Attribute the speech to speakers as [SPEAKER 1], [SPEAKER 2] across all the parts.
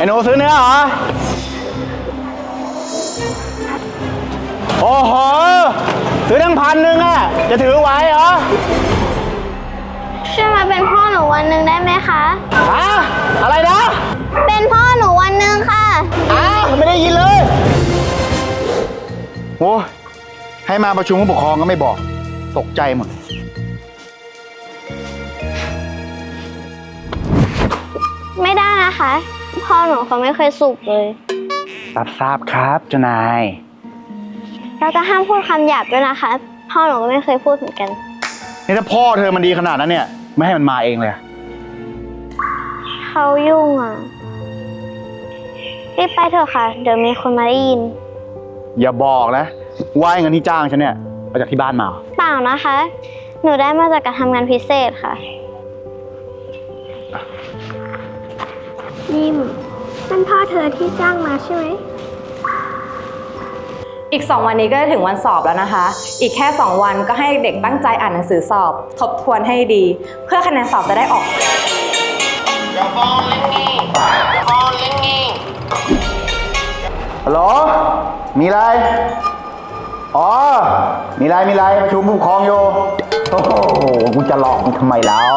[SPEAKER 1] หนูซื้อเนื้อเหรอโอ้โหซื้อตั้ง1,000อ่ะจะถือไหวเหรอ
[SPEAKER 2] ช่วยมาเป็นพ่อหนูวันหนึ่งได้ไหมคะ
[SPEAKER 1] ฮะอะไรนะ
[SPEAKER 2] เป็นพ่อหนูวันหนึ่งค่ะ
[SPEAKER 1] ไม่ได้ยินเลยโอ้ให้มาประชุมผู้ปกครองก็ไม่บอกตกใจหมด
[SPEAKER 2] ไม่ได้นะคะพ่อหนูเขาไม่เคยสูบเลย
[SPEAKER 1] ทราบครับเจ้านาย
[SPEAKER 2] เราจะห้ามพูดคำหยาบด้วยนะคะพ่อหนูก็ไม่เคยพูดเหมือนกัน
[SPEAKER 1] นี่ถ้าพ่อเธอมันดีขนาดนั้นเนี่ยไม่ให้มันมาเองเลย
[SPEAKER 2] เขายุ่งอ่ะรีบไปเถอะค่ะเดี๋ยวมีคนมาได้ยิน
[SPEAKER 1] อย่าบอกนะว่าเงินที่จ้างฉันเนี่ยมาจากที่บ้านมา
[SPEAKER 2] เปล่านะคะหนูได้มาจากการทำงานพิเศษค่ะนิ่มเป็นพ่อเธอที่จ้างมาใช่ไหม
[SPEAKER 3] อีก2 วันนี้ก็จะถึงวันสอบแล้วนะคะอีกแค่2 วันก็ให้เด็กตั้งใจอ่านหนังสือสอบทบทวนให้ดีเพื่อคะแนนสอบจะได้ออก
[SPEAKER 1] ฮัลโหลมีอะไรอ๋อมีอะไรประชุมผู้ปกครองอยู่โอ้โหกูจะหลอกมึงทำไมแล้ว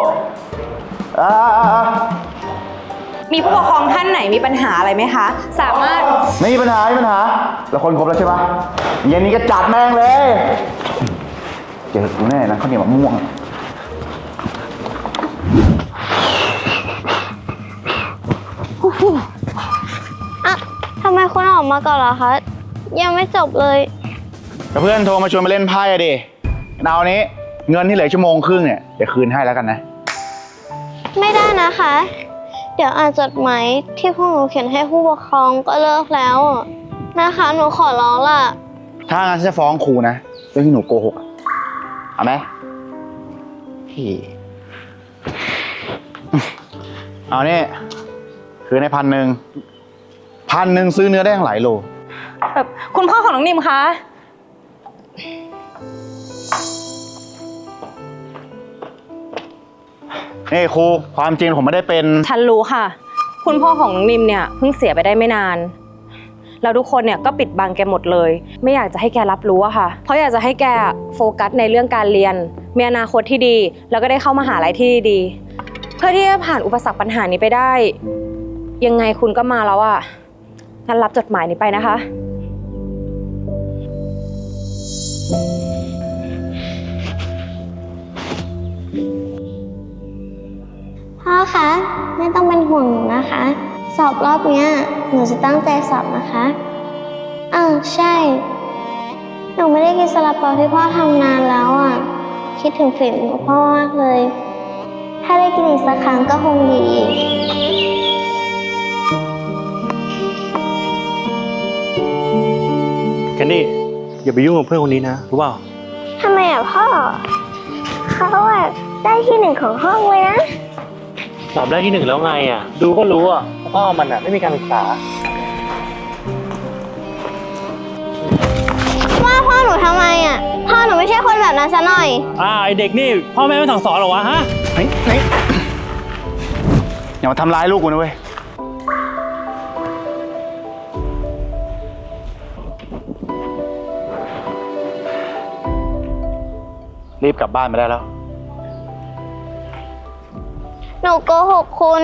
[SPEAKER 3] มีผู้ปกครองท่านไหนมีปัญหาอะไรไหมคะสามารถ
[SPEAKER 1] ไม่มีปัญหาเราคนครบแล้วใช่ปะเย็นนี้ก็จัดแม่งเลยเจอกูแน่นะข้าวเหนียวมะม่วง
[SPEAKER 2] ทำไมคุณออกมาก่อนล่ะคะยังไม่จบเลย
[SPEAKER 1] เพื่อนโทรมาชวนมาเล่นไพ่อะดิเอานี้เงินที่เหลือชั่วโมงครึ่งเนี่ยเดี๋ยวคืนให้แล้วกันนะ
[SPEAKER 2] ไม่ได้นะคะเดี๋ยวอ่านจดหมายที่พวกหนูเขียนให้ผู้ปกครองก็เลิกแล้วนะคะหนูขอร้องล่ะ
[SPEAKER 1] ถ้างั้นฉันจะฟ้องครูนะเรื่องที่หนูโกหกเอาไหมเอานี่คืนให้1,000ซื้อเนื้อได้ทั้งหลายโล
[SPEAKER 3] แบบคุณพ่อของน้องนิมคะ
[SPEAKER 1] นี่ครูความจริงผมไม่ได้เป็น
[SPEAKER 3] ฉันรู้ค่ะคุณพ่อของน้องนิมเนี่ยเพิ่งเสียไปได้ไม่นานแล้วทุกคนเนี่ยก็ปิดบังแกหมดเลยไม่อยากจะให้แกรับรู้อะค่ะเพราะอยากจะให้แกโฟกัสในเรื่องการเรียนมีอนาคตที่ดีแล้วก็ได้เข้ามหาลัยที่ดีเพื่อที่จะผ่านอุปสรรคปัญหานี้ไปได้ยังไงคุณก็มาแล้วอะงั้นรับจดหมายนี้ไปนะคะ
[SPEAKER 2] พ่อคะไม่ต้องเป็นห่วงหนูนะคะสอบรอบเนี้ยหนูจะตั้งใจสอบนะคะใช่หนูไม่ได้กินซาลาเปาที่พ่อทำนานแล้วอ่ะคิดถึงฝีมือพ่อมากเลยถ้าได้กินอีกสักครั้งก็คงดี
[SPEAKER 4] แคนดี้อย่าไปยุ่งกับเพื่อนคนนี้นะรู้เปล่า
[SPEAKER 2] ทำไมอ่ะพ่อเขาได้ที่1ของห้องเลยนะ
[SPEAKER 4] สอบได้ที่1แล้วไงอ่ะดูก็รู้อ่ะพ่อมันอ่ะไม่มีการศึกษา
[SPEAKER 2] ว่าพ่อหนูทำไมอ่ะพ่อหนูไม่ใช่คนแบบนั้นซะหน่อย
[SPEAKER 4] ไอเด็กนี่พ่อแม่ไม่สั่งสอนหรอวะฮะ
[SPEAKER 1] นี่อย่ามาทำร้ายลูกกูนะเว้ยรีบกลับบ้านไปได้แล้ว
[SPEAKER 2] หนูโกหกคุณ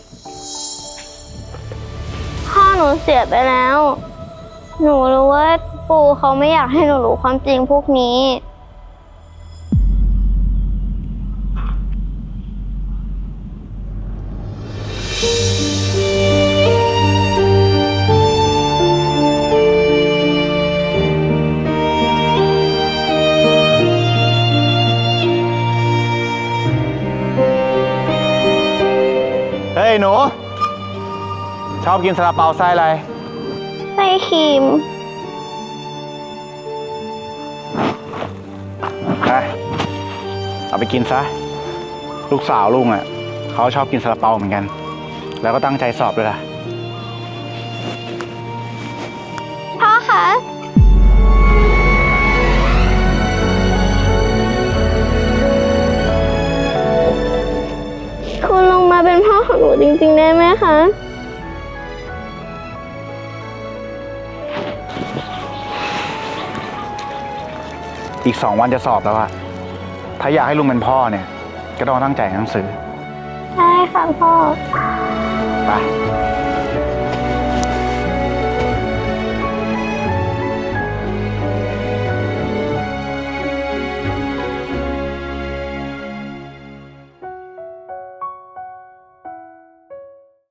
[SPEAKER 2] พ่อหนูเสียไปแล้วหนูรู้ว่าปู่เขาไม่อยากให้หนูรู้ความจริงพวกนี้
[SPEAKER 1] เฮ้ยหนูชอบกินซาลาเปาไส้อะไร
[SPEAKER 2] ไส้ครีม
[SPEAKER 1] เอาไปกินซะลูกสาวลุงอ่ะเขาชอบกินซาลาเปาเหมือนกันแล้วก็ตั้งใจสอบด้วยล่ะ
[SPEAKER 2] พ่อคะคุณลงมาเป็นพ่อของหนูจริงๆได้ไหมคะ
[SPEAKER 1] อีก2 วันจะสอบแล้วอะถ้าอยากให้ลุงเป็นพ่อเนี่ย ก็ต้องตั้งใจอ่านหนังสือ
[SPEAKER 2] ใช่ค่ะพ่อ
[SPEAKER 1] ไป